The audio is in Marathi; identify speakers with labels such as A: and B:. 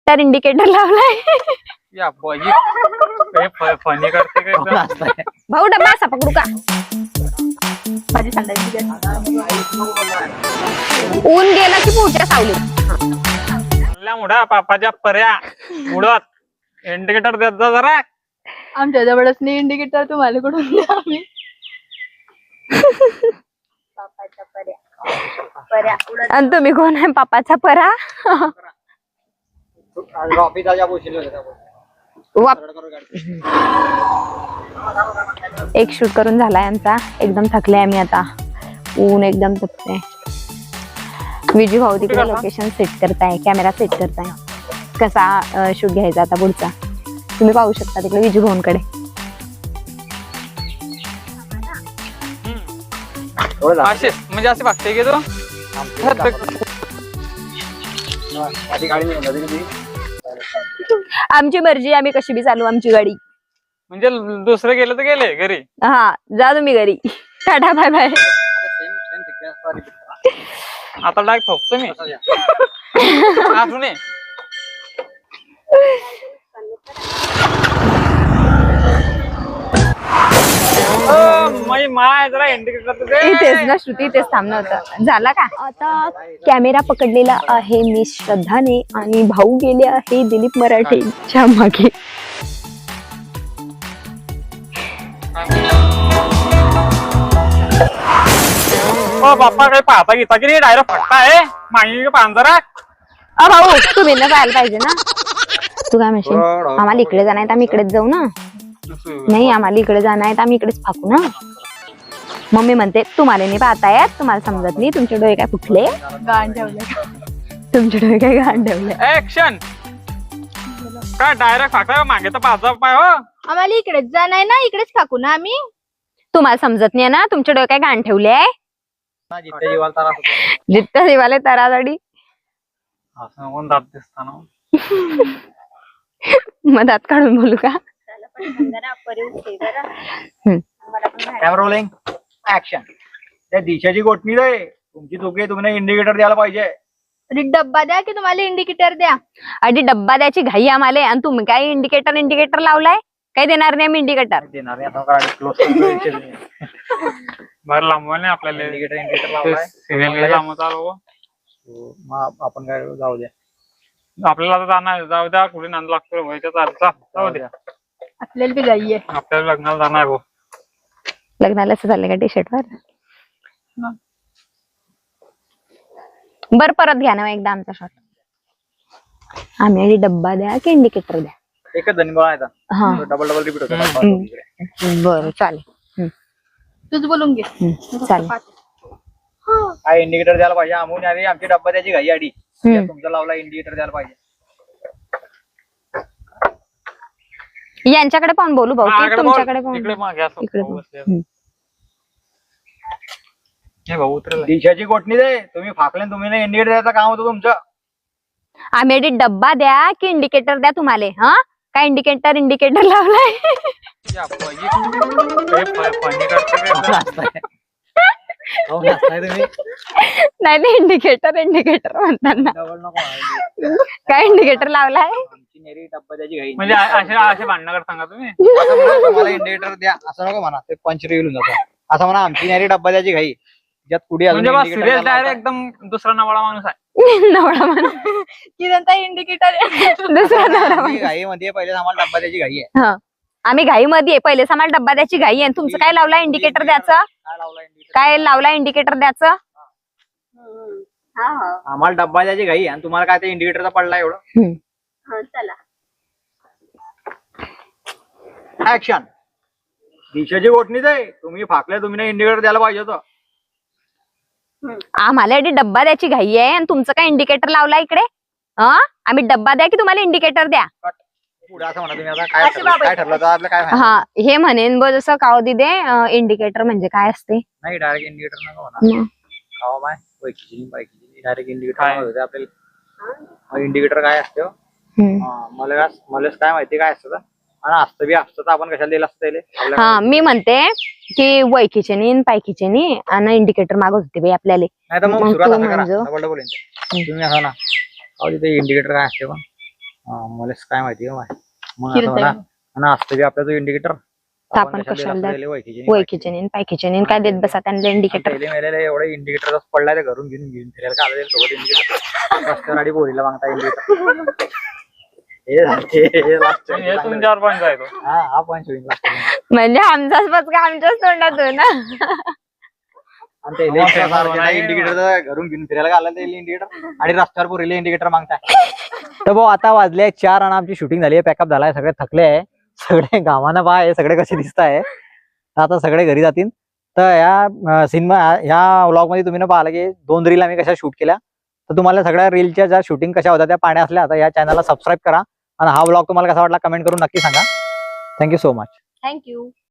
A: तर इंडिकेटर लावलाय.
B: या बाई फनी करते काय
A: भाऊ डब्बा असा पकडू का?
C: माझी सांगायची
A: ऊन गेला की पुढच्या सावलीत.
B: मुडा पापाच्या पर्या उडत इंडिकेटर देत जा जरा.
C: आमच्या जवळच नाही इंडिकेटर, तुम्हाला कुठून द्या आम्ही.
A: आणि तुम्ही कोण आहे? पापाचा परा. एक शूट करून झालाय आमचा. एकदम थकले आम्ही आता. ऊन एकदम तपते. विजू भाऊ तिकडे लोकेशन सेट करताय, कॅमेरा सेट करताय. कसा शूट घ्यायचा आता पुढचा तुम्ही पाहू शकता तिकडे विजू भाऊंकडे.
B: असे म्हणजे असे बघते की तो
A: आमची मर्जी, आम्ही कशी बी चालू आमची गाडी.
B: म्हणजे दुसरे गेले तर गेले घरी.
A: हा जा तुम्ही घरी. Tata bye bye.
B: आता डायरेक्ट ठोकतो मी. अजून माय जरा इंडिकेटर
A: इथेच ना श्रुती, इथेच थांबणं होतं. झाला का? आता कॅमेरा पकडलेला आहे मी श्रद्धाने आणि भाऊ गेले आहे दिलीप मराठेच्या मागे.
B: बाप्पा काही पाहता घेता की नाही? डायरेक्ट फटका मागे पांजरा.
A: भाऊ तुम्ही ना जायला पाहिजे ना. तू काय म्हणशील? आम्हाला इकडे जाणार आम्ही इकडेच जाऊ ना. नाही आम्हाला इकडे जाणार आहे आम्ही इकडेच फाकू ना. मम्मी म्हणते तुम्हाला नाही पाहतायत, तुम्हाला समजत नाही, तुमचे डोळे काय फुटले?
C: गाण ठेवले.
A: तुमचे डोळे काय गाण ठेवले?
B: ऍक्शन. काय डायरेक्ट फाकता मागे तर पाच पाय. हो
C: आम्हाला इकडेच जाणार ना, इकडेच फाकू ना आम्ही.
A: तुम्हाला समजत नाही ना, तुमचे डोळे काय गाण ठेवले? जित्ता जीवाले तराजडी.
B: असं दात दिसताना
A: मग दात काढून बोलू का?
D: Camera rolling action. त्या दिशाची गोठणी रे तुमची चुकी, तुम्ही इंडिकेटर द्यायला पाहिजे.
C: अरे डब्बा द्या की तुम्हाला इंडिकेटर द्या.
A: आधी डब्बा द्यायची घाई आम्हाला आणि तुम्ही काय इंडिकेटर लावलाय? काही देणार नाही आम्ही इंडिकेटर.
D: देणार नाही आता.
B: बरं लांबवा नाही आपल्याला.
D: इंडिकेटर लावलाय.
B: सिरियल लांब चालू.
D: मग आपण काय जाऊ द्या.
B: आपल्याला आता जाणार, जाऊ द्या. कुठे नांद लागतो व्हायच्या जाऊ द्या.
C: आपल्याला बी गाई आहे.
B: आपल्याला लग्नाला जाणार हो.
A: लग्नाला असं चाललंय का टी शर्ट वर? बर परत घ्या ना एकदा आमचा शॉट. आम्ही आधी डब्बा द्या की इंडिकेटर द्या?
D: एकच धनी बघा.
A: हा
D: डबल रिपीट होतं.
A: बरं चालेल.
C: तूच बोलून घे.
A: चालेल.
D: काय इंडिकेटर द्यायला पाहिजे. आम्ही आधी आमची डब्बा द्यायची घाई आधी. तुमचा लावला इंडिकेटर द्यायला पाहिजे.
A: यांच्याकडे पाहून बोलू भाऊ की तुमच्याकडे पाहून?
D: दिशाची गोठणी दे तुम्ही फाकले, तुम्ही नाही इंडिकेटर द्यायचं काम होतं तुमचं.
A: आम्ही आधी डब्बा द्या की इंडिकेटर द्या तुम्हाला? हा काय इंडिकेटर लावलाय? नाही नाही इंडिकेटर म्हणताना काय इंडिकेटर लावलाय?
D: डब्बा द्यायची घाई
B: म्हणजे असे भांडणं करत सांगा तुम्ही.
D: मला इंडिकेटर द्या असं नको म्हणा. ते पंच रिव्हिल होऊन जातं. असं म्हणा आमची नारी डब्बा द्यायची घाई. ज्यात पुढे
B: म्हणजे डायरेक्ट एकदम दुसरा नवळा माणूस आहे.
A: नवळा म्हणा
C: किरणता इंडिकेटर
A: दुसरा नवरा
D: घाई मध्ये पहिले आम्हाला डब्बा द्यायची घाई आहे.
A: हा आम्ही घाई मध्ये पहिले आम्हाला डब्बा द्यायची घाई आहे. तुमचं काय लावला इंडिकेटर द्यायचं? काय लावला इंडिकेटर द्यायचं?
D: आम्हाला डब्बा द्यायची घाई आणि तुम्हाला काय ते इंडिकेटरचा पडला एवढं.
C: चला
D: ऍक्शन. दिशाची गोठणी दे तुम्ही फाकले, तुम्ही नाही इंडिकेटर द्यायला पाहिजे होतं.
A: आम्हाला आधी डब्बा द्यायची घाई आहे आणि तुमचं काय इंडिकेटर लावला इकडे? आम्ही डब्बा द्या की तुम्हाला इंडिकेटर द्या?
D: पुढे असं म्हणा तुम्ही. आता काय ठरलं तर आपलं काय?
A: हा हे म्हणेन ब जसं काव दिदे इंडिकेटर म्हणजे काय असते?
D: नाही डायरेक्ट इंडिकेटर नका म्हणा. काव माय बायकी डायरेक्ट इंडिकेटर आपल्याला. इंडिकेटर काय असतं मला काय माहिती काय असतं आणि असतं बी असतं तर आपण कशाला दिलं असतं?
A: हा मी म्हणते की वैकीचे नी पायकीचे नी आणि इंडिकेटर मागत होते बाई आपल्याला.
D: नाही तर मग सुरुवात असं करा. तुम्ही असं ना तिथे इंडिकेटर काय असते पण मलाच काय माहिती का माय मग
C: किरतय.
D: आता म्हणा आणि असतं बी आपला तो इंडिकेटर
A: आपण कशाला वैकीचे पायकीचे काय देत बसा त्यांना इंडिकेटर.
D: एवढं इंडिकेटर पडलाय ते घरून घेऊन फिरायला का आलं सोबत इंडिकेटर रस्त्यावर आणि बोरीला मागता इंडिकेटर
B: हे तुमच्यावर पण जायचो.
D: हा पॉईंट होईल last ला.
A: म्हणजे आमचाच पचका आमच्याच तोंडातून ना.
D: आणि ते इंडिकेटर घरून घेऊन फिरायला का आलं ते इंडिकेटर आणि रस्त्यावर बोरीला इंडिकेटर मागताय. तर भाऊ आता वाजले 4 आणि आमची शूटिंग झाली आहे, पॅकअप झालाय, सगळे थकले आहे, सगळे गावानं बा आहे, सगळे कसे दिसत आहे. आता सगळे घरी जातील. तर या सिनेमा ह्या व्लॉग मध्ये तुम्ही पाहिलं की 2 रील आम्ही कशा शूट केल्या. तर तुम्हाला सगळ्या रीलच्या ज्या शूटिंग कशा होत्या त्या पाहण्या असल्या तर या चॅनलला सबस्क्राईब करा आणि हा व्लॉग तुम्हाला कसा वाटला कमेंट करून नक्की सांगा. Thank you so much.
A: थँक्यू.